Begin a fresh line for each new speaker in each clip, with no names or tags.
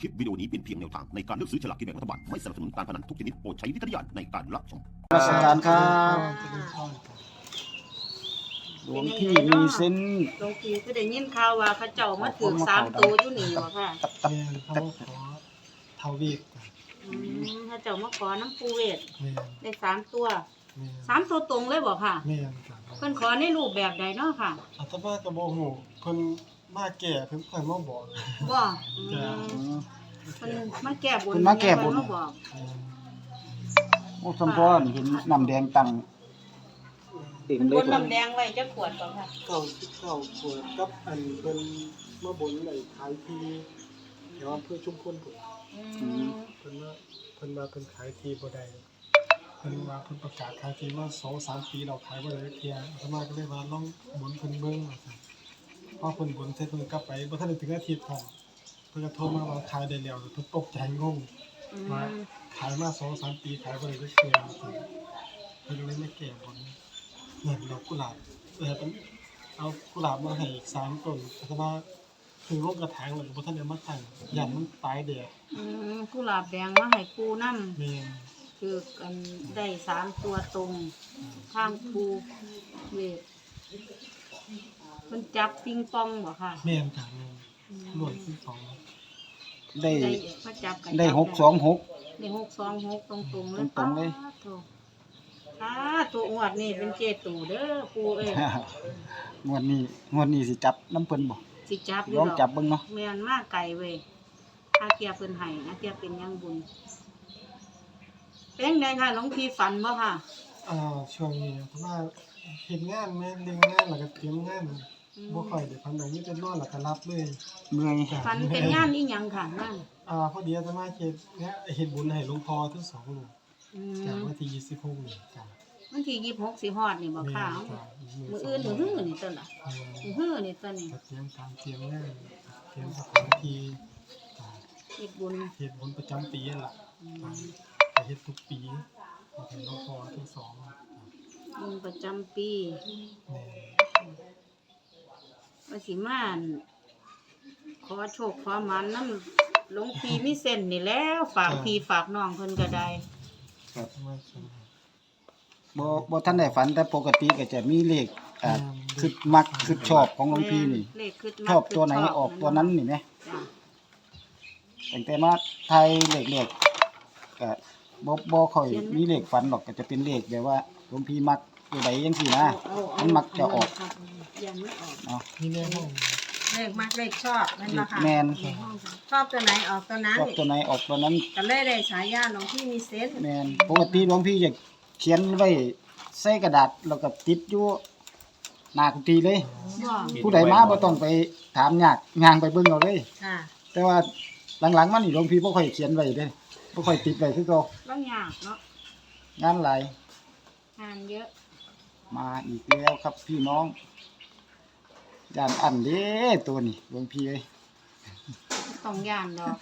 คลิปวิดีโอนี้เป็นเพียงแนวทางในการเลือกซื้อฉลากกินแบ่งรัฐบาลไม่สนับสนุนการพนันทุกชนิดโปรดใช้วิจารณญาณในการรับชม
ราชการครับ
จะเป็นพ่อครับ
หลวงพี่มีเส้น
หลวงพี่ก็ได้ยินข่าวว่าเขาเจ้ามาถือ3ตัวอยู่นี่บ่ค่ะ
ตับ
แม่นเขาขอเท่าวีกครับ
เขาเจ้ามาขอน้ำปูเวท
แม่น
ได้3ตัว
แม่น
3ตัวตรงเลยบ่ค่ะ
แม่นครับ
เพิ่นขอในรูปแบบใดเนาะค่ะ
อาตมาก็บ่ฮู้เพิ่นมาแก่เพิ่นค่อยมาบอก
บ่
จ้ะ
เพิ่นมาแก้บน
เพิ่นมาแก้บน
เพิ่มาบอก
แม่น
โอ้สมพรเห็นน้ำแดงตั้งเต็ม
เพิ่น
เล
บ
ย
นน้ำแดงไว้จักขวดบ่ค่ะ
99ขวดกับอันเพิ่นมาบนไอ้ขายที่แถวอำเภอชุมพลพุ่นเพิ่นว่าเพิ่นขายที่บ่ได้เพิ่นว่าเพิ่นประกาศขายที่มา 2-3 ปีแล้วขายบ่ได้เที่ยอาตมาก็เลยว่าลองบนเพิ่นเบิ่งว่าซั่นพอเพิ่นบนเสร็จเพิ่นกลับไปบ่ทันได้ถึงอาทิตย์พร้อมเพิ่นก็โทรมาว่าขายได้แล้วเพิ่นตกใจงง ว่าขายมา2-3 ปีขายบ่ได้จักเทื่อเพิ่นเลยมาแก้บนเนี่ยดอกกุหลาบเป็นเอากุหลาบมาให้อีก3ต้นแต่ว่าถึงลงกระถางแล้วก็บ่ทันได้มาตั้งย่านมันตายแดด
กุหลาบแดงมาให้ปูนำ
แม่น
คือกันได้3ตัวตรงข้างปูเวทเพิ่นจับปิงปองบ่ค่ะ
แม่นจ้ะแม่นล้วนที่สอง
ได้
มาจับกัน
ได้626
ได้626ตรงๆเลย
ตรงๆเลย
ตัวอวดนี่เป็นเจตูเด้อปูเอ้ย
งวดนี้สิจับน้ำเพิ่นบ่
สิจับอยู่
ลอง
ดอก
จับเบิ่งเนาะ
แม่นมาไกลเว้ยอาเกียเพิ่นให้อาเกียเป็นยังบุญเป็นไงค่ะหลวงพี่ฝันบ่ค่ะ
ช่วงนี้เพราะว่าเฮ็ดงานแม่นเรื่องงานแล้วก็เตรียมงานบ่ค่อยได้พันใดมีแต่นอนแล้วก็รับเลย
เมื่อย
ฝันเป็นงานอีหยังค่ะงาน
พอดีอาตมาเฮ็ดบุญให้หลวงพ่อทั้งสองลูก
อื
จาก
ม
วันที่26นี่จ้ะ
วันที่26สิฮอดนี่บ่ค่ะ มื้ออื่นมื้อฮื้อนี่ต้นล่ะมื้อฮื้อนี่ต้นนี่
ก็เตรียมการเตรียมงานเตรียมสถานที่จ้ะ
เฮ็ดบุญ
เฮ็ดบุญประจำปีนั่นล่ะจ้ะก็เฮ็ดทุกปีให้หลวงพ่อทั้งสองจ้ะ
บุญประจำปี
แม่
ว่าสิมาอั่นขอโชคขอหมันนำหลวงพี่มีเส้นนี่แหล้วฝากพี่ฝากน้องเพิ่นก็ได้
ครับมาสม
บ่ทันได้ฝันแต่ปกติก็จะมีเลขคือมักคือชอบของหลวงพี่นี่
เลขขึ้นมา
ชอบตัวไหนออกตัวนั้นนี่แหม
จ้ะ
ตั้งแต่มาไทยเลขก็บ่ค่อยมีเลขฝันหรอกก็จะเป็นเลขแบบว่าหลวงพี่มักตัวใดจังซี่นะมันมักจะออก
ยันไม่ออก
เนาะ
นี่แน่ห้อง
เลขมักเลขชอบนั่นล่ะค่ะ
แม่น
ชอบตัวไหนออกตัวนั้น
ชอบตัวไหนออกตัวนั้น
ก็เลยได้ฉายาหลวงพี่มีเซนส์
แม่นปกติหลวงพี่จะเขียนไว้ใส่กระดาษแล้วก็ติดอยู่หน้ากุฏิเลย
บ่
ผู้ใดมาบ่ต้องไปถามยากย่างไปเบิ่งเอาเลย
ค่ะ
แต่ว่าหลังๆมานี่หลวงพี่บ่ค่อยเขียนไว้เด้บ่ค่อยติดไว้คือเก่า
ต้องยากเนาะ
งานหลาย
งานเยอะ
มาอีกแล้วครับพี่น้องย่านอันเด้ตัวนี้หลวงพี่เอ้ย
ต้องย่านดอก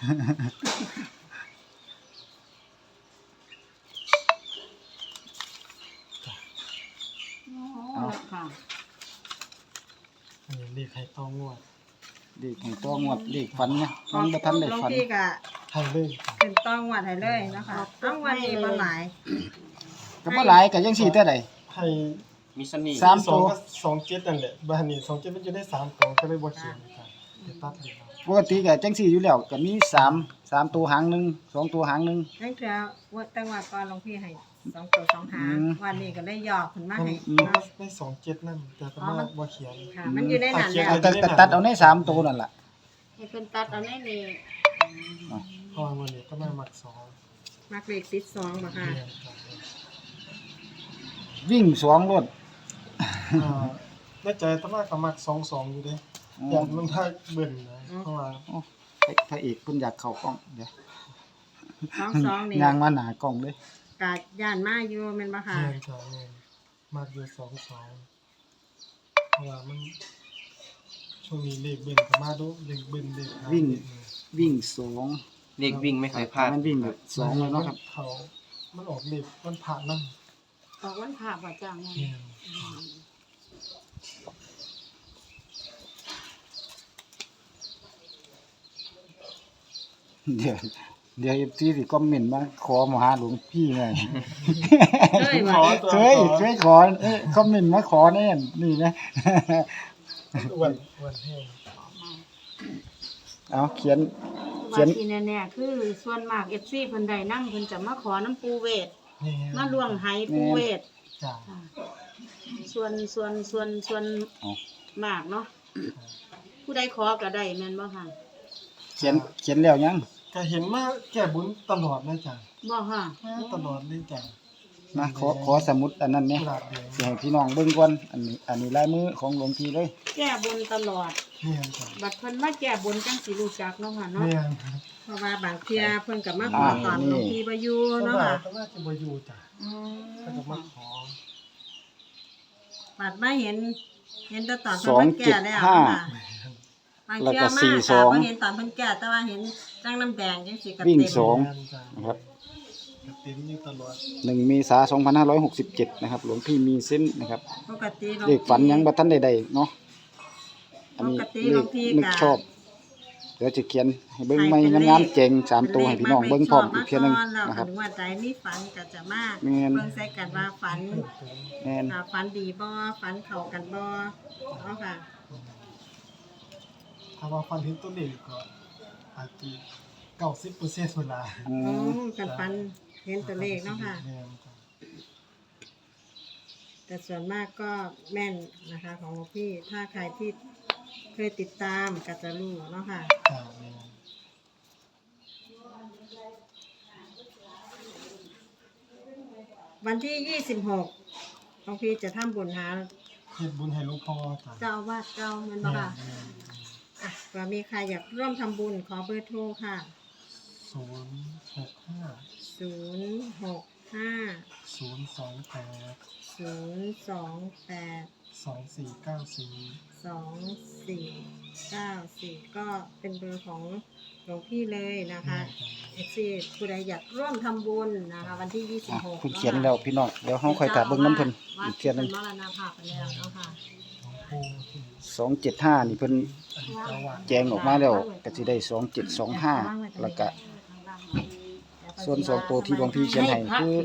โอ้ค่ะ
อันนี้เลขให้ต้องงวด
เลขของตัวงวดเลขฝันเนี่ยมันบ่ทันได้
หลวง
ฝัน
พี่ก็
ให้เลยจ้ะ
เป็นต้องวัดให้เลยนะคะต้องวันนี้มาหลาย
ก็บ่หลายก็ยังสิแต่ใด
ให้
มีสนิท
สาม
สองก็27นั่นแหละบ้านนี้27มันจะได้3ตัวก็เลยบ่เขียนจ้ะเดี๋ยวตัดเลยครับ
ปกติก็จังซี่อยู่แล้วก็มี3ตัวหางหนึง2ตัวหางหนึง
นั่นคือว่าตั้งวัดก่อนหลวงพี่ให้2ตัว2หาง วันนี้ก็เลยหยอกขึ้นมาให้
ได้27นั่นแต่อาตมาบ่เขียน
ค่ะ มันอยู่ในนั้นแล้ว
แต่ตัดเอาใน3ตัวนั่นล่ะ
ให้เพิ่นตัดเอาในนี่
เพราะว่าวันนี้อาตมามักสอง
มักเลขติด2บ่ค่ะ
เนี่ยจ้ะ
วิ่ง2รถ
ในใจอาตมาก็มัก22อยู่เด้อยากมันถ้าเบิ่นนะเพราะว่า
พระเอกเพิ่นอยากเข้ากล้องเดี๋ยว
22นี่
ย่างมาหน้ากล้องเลย
กาดย่านมาอยู่แม่นบ่ค่ะ
แม่นจ้ะแม่นมักอยู่22เพราะว่ามันช่วงนี้เลขเบิ่นก็มาดูเลขเบิ่นเลขหา
วิ่ง2
เด็กวิ่งไม่เคยพลาด
มันวิ่งแบบ2เลยเนาะครับ
เขามันออกเลขมันผ่านนำ
ออกวันพระบ่จ้างไง
แม่น
อเดี๋ยวที่สิคอมเมนต์มาขอมาหาหลวงพี่ไง
เอ้ย
ขอ
ว่า
ตัว
ช่วยขอคอมเมนต์มาขอแน่นี่นะ
อ้วนแห้ง
เอาเขียน
ว่าที่แน่ๆคือส่วนมาก FC เพิ่นได้นำเพิ่นจะมาขอน้ำปูเวท
นี่
มาล่วงไหปูเวท
จ้า
ค่ะส่วนมากเนาะผู้ใดขอก็ได้แม่นบ่ค่ะ
เขียนแล้วยัง
ก็เห็นมาแก้บุญตลอดนะจ้า
บ่ค่ะ
มาตลอดเลยจ้า
นะขอสมุดอันนั้นเนี่ย
กุหลาบแดง
สิให้พี่น้องเบิ่งก่อนอันนี้ลายมือของหลวงพี่เลย
แก้บนตลอด
เนี่ยจ้า
บัดเพิ่นมาแก้บนจังสิรู้จักเนาะค่ะเนาะ
เนี่ย
เพราะว่าบางเที่ยเพิ่นก็มาขอตอนหลวงพี่บ่อยู่
ส
เนาะ
บา
ค่ะ
ยก็น่าจะบ่อยู่จ้า
อืม
ถ้าก็มาขอ
บัดมาเห็นแต่ตอนเพิ่นมาแก่แล้วค่ะบาง
แล้ว
เที่ย
ก็
มา
สี่
ค่ะ
สอง
บ่เห็นตอนเพิ่นแก่แต่ว่าเห็นจังน้ำแดงจังสิกระ
วิ่ง
เต็ม
สอง
งานจ้า
นะครับ
ก็เต็มอยู่ตลอด
1 เมษายน 2567นะครับหลวงพี่มีเส้นส์นะครับ
ปกติหลวง
เลขฝันยังบ่ทันได้เนาะอันนี้
ปกติ
เล
หลว
ข
งพี่
นึก
ก็
ชอบเดี๋ยวจะเขียนให้เบิ่งใหม่งามๆเจ๋ง3ตัวให้พี่น้องเบิ่งพร้อมอีกเทื่อนึง
แล้ว
นะครับ
ถึงว่าใจมีฝันก็จะมา
แม่น
เบิ่งใส่กันว่าฝัน
แม่น
ฝันดีบ่ฝันเข้ากันบ่เนาะค่ะ
ถ้าว่าฟันเห็นตัวเลขก็อาจจะ90%เวลา
อื
อ๋อ
ม
กันฝันเห็นตัวเลขเนาะค่ะ
แม่นจ้า
แต่ส่วนมากก็แม่นนะคะของหลวงพี่ถ้าใครที่เคยติดตามก็จะรู้เนาะค่ะ
จ้าแม่น
วันที่ 26หลวงพี่จะทำบุญหา
เฮ็ดบุญให้หลวงพ่อจ้า
เจ้าอาวาสเจ้าแมันบ่ค่ะอ่ะว่ามีใครอยากร่วมทำบุญขอเบอร์โทรค่ะ 065 028 2494 ก็เป็นเบอร์ของหลวงพี่เลยนะคะเอฟซีผู้ใดอยากร่วมทำบุญนะคะ วันที่
อ่ะ
26
เพิ่นเขียนแล้วพี่น้องเดี๋ยวเฮาค่อยถามเบิ่งน้ำเพิ่น
วั
อี
ด
กเทื่อนึง
เป็นมรณภาพไปแล้วเนาะค่ะ
275นี่เพิ่นแจงออกมาแล้วก็สิได้2725แล้วก็ส่วน2ตัวที่หลวงพี่เขียนให้คือ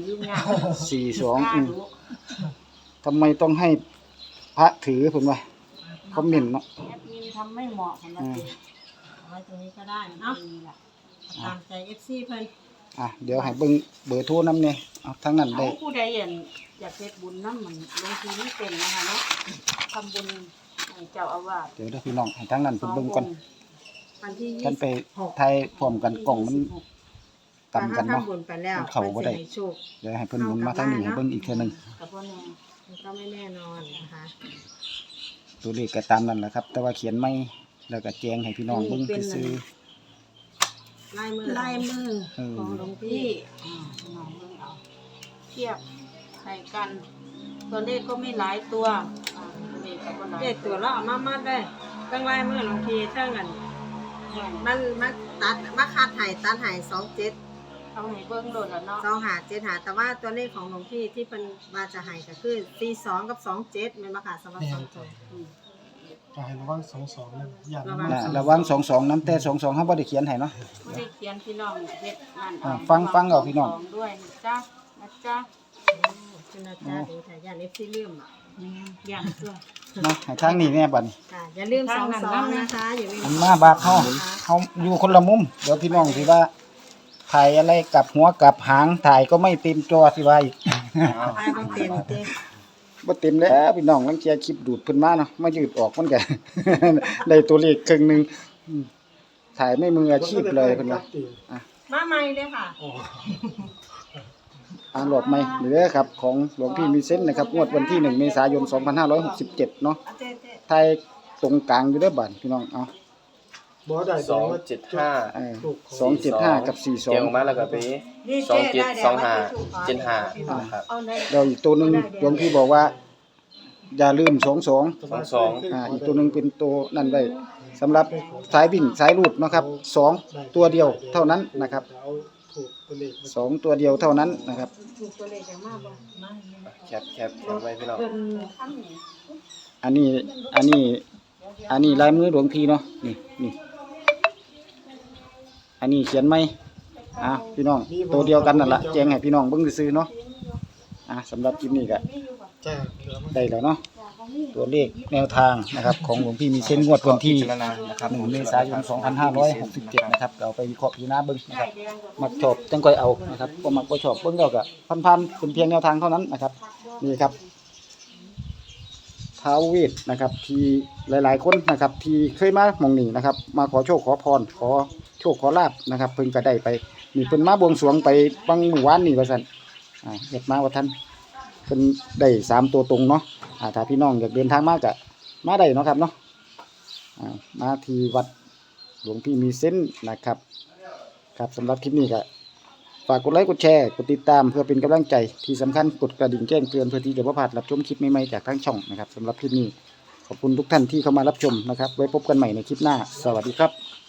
42ทำไมต้องให้พระถือเพิ่นว่าคอมเมนต์เนาะ
แอดมินทำไม่เหมาะสำหรับสิ
เอาไว้ตรงนี้ก็ได้เนาะตามใจ FC เพิ่น
เดี๋ยวให้เบิ่งเบอร์โทรนำเนี่ยเอาทั้งนั้นได้
ผู้ใดอยากเฮ็ดบุญนำมันลงทุนนี่เป็นนะคะเนาะทำบุญให้เจ้าอาวาส
เดี๋ยวเด้อพี่น้องให้ทั้งนั้นเพิ่นเบิ่งก่อน
วันที่
กันไป
26
ถ่ายพร้อมกันกล่องมันต่ำกัน
ถ้า
เนาะ
ทำบุญไปแล้ว
มันเข้าบ่ได้
พิ่นสิให้โชค
เดี๋ยวให้เพิ่นหมุนมาทางนี้ให้เบิ่งอีกเทื่อนึง
กับพ่อแม่
มันก็ไม่แน่นอนนะคะ
ตัวเลขก็ตามนั้นแหละครับ แต่ว่าเขียนไม่แล้วก็แจ้งให้พี่น้องเบิ่งซื่อ
ลายมือ
ลายมือ
เออ
ของหลวงพี่น้องเบิ่งเอาเทียบให้กัน ตัวเลขก็ไม่หลายตัวตัวเลขก็บ่หลาย
เด็ดตัวเราเอามาได้ตั้งลายมือหลวงพี่เท่ากันมันมาตัดมาคาดไห้ตัดไห้27
เอาให้เบิ่งโดดแล้วเนาะ
2575แต่ว่าตัวเลขของหลวงพี่ที่เป็นมาจะไห้ก็คือ42กับ27แม่นบ่ค่ะสำหรับ
แม่
สอน งตั
จ้าว
อืม
ก็ให้ระวัง22นั่นอย่า
ระวัง
ๆน่ะระวัง22น้ำแต่22เฮาบ่ได้เขียนให้เนาะ
ไม่ได้เขียนพี่น้องเฮ็ดนั่น
ฟังเอาพี่น้อง
ด้วยนะจ๊ะ
คุณอาจารย์ดูถ่ายยาน FC ลืมอ่ะ
อย่างตัว
เนาะให้ทางนี้แน่บัดนี้
ค่ะอย่าลืม22นะคะอย่าลืม
มันมาบาดเฮาอยู่คนละมุมเดี๋ยวพี่น้องสิว่าถ่ายอะไรกับหัวกับหางถ่ายก็ไม่เต็มจอสิว่าอีก
ไปบ่เต็มเต็ม
บ่เต็มแล้วพี่น้องลังเกียคลิปดูดเพิ่นมาเนาะมายืดออกมันก็ ได้ตัวเลขครึ่งหนึงถ่ายไม่มืออาชีพเลยเพิ่นว่า
มาใหม่เลยค่ะ
รอบใหม่เด้อครับของหลวงพี่มีเส้นส์นะครับงวดวันที่1 เมษายน 2567เนาะถ่ายตรงกลางอยู่เด้อบัดพี่น้องเอา
บ่ได้
275
275 กับ
เกี่ยวมาแล้วก็ไป272575นะครับ
เอาใน
42แล้วอีกตัวหนึงหลวงพี่บอกว่า อย่าลืม22 อีกตัวหนึงเป็นตัวนั่นไว้สำหรับสายวิ่งสายรูดเนาะครับ2ตัวเดียวเท่านั้นนะครับ
เอาถูกตัวเลข
2ตัวเดียวเท่านั้นนะครับ
ถูกตัวเลขจังมากบ่มา
แคปไว้พี่น้อง
เพิ่นทำนี่
อันนี้ลายมือหลวงพี่เนาะนี่อันนี้เขียนไหมพี่น้องตัวเดียวกันนั่นล่ะแจ้งให้พี่น้องเบิ่งซื่อๆเนาะสำหรับคลิปนี้ก็
จ้าเหลือมัน
ได้แล้วเนาะตัวเลขแนวทางนะครับของหลวงพี่มีเส้นงวดวันที่
พิจารณานะครับ
1 เมษายน 2567 นะครับเอาไปวิเคราะห์พิจารณาเบิ่งนะครับมักชอบจังค่อยเอานะครับบ่มักบ่ชอบเบิ่งแล้วก็พันๆเป็นเพียงแนวทางเท่านั้นนะครับนี่ครับท้าวเวทนะครับที่หลายๆคนนะครับที่เคยมาหม่องนี้นะครับมาขอโชคขอพรขอโชคขอลาภนะครับเพิ่นก็ได้ไปนี่เพิ่นมาบวงสรวงไปบางหมู่บ้านนี่ว่าซั่นเฮ็ดมาว่าท่านเพิ่นได้3ตัวตรงเนาะถ้าพี่น้องอยากเดินทางมาก็มาได้เนาะครับเนาะมาที่วัดหลวงพี่มีเส้นนะครับครับสำหรับคลิปนี้ก็ฝากกดไลค์กดแชร์กดติดตามเพื่อเป็นกำลังใจที่สำคัญกดกระดิ่งแจ้งเตือนเพื่อที่จะบ่พลาดรับชมคลิปใหม่ๆจากทางช่องนะครับสำหรับคลิปนี้ขอบคุณทุกท่านที่เข้ามารับชมนะครับไว้พบกันใหม่ในคลิปหน้าสวัสดีครับ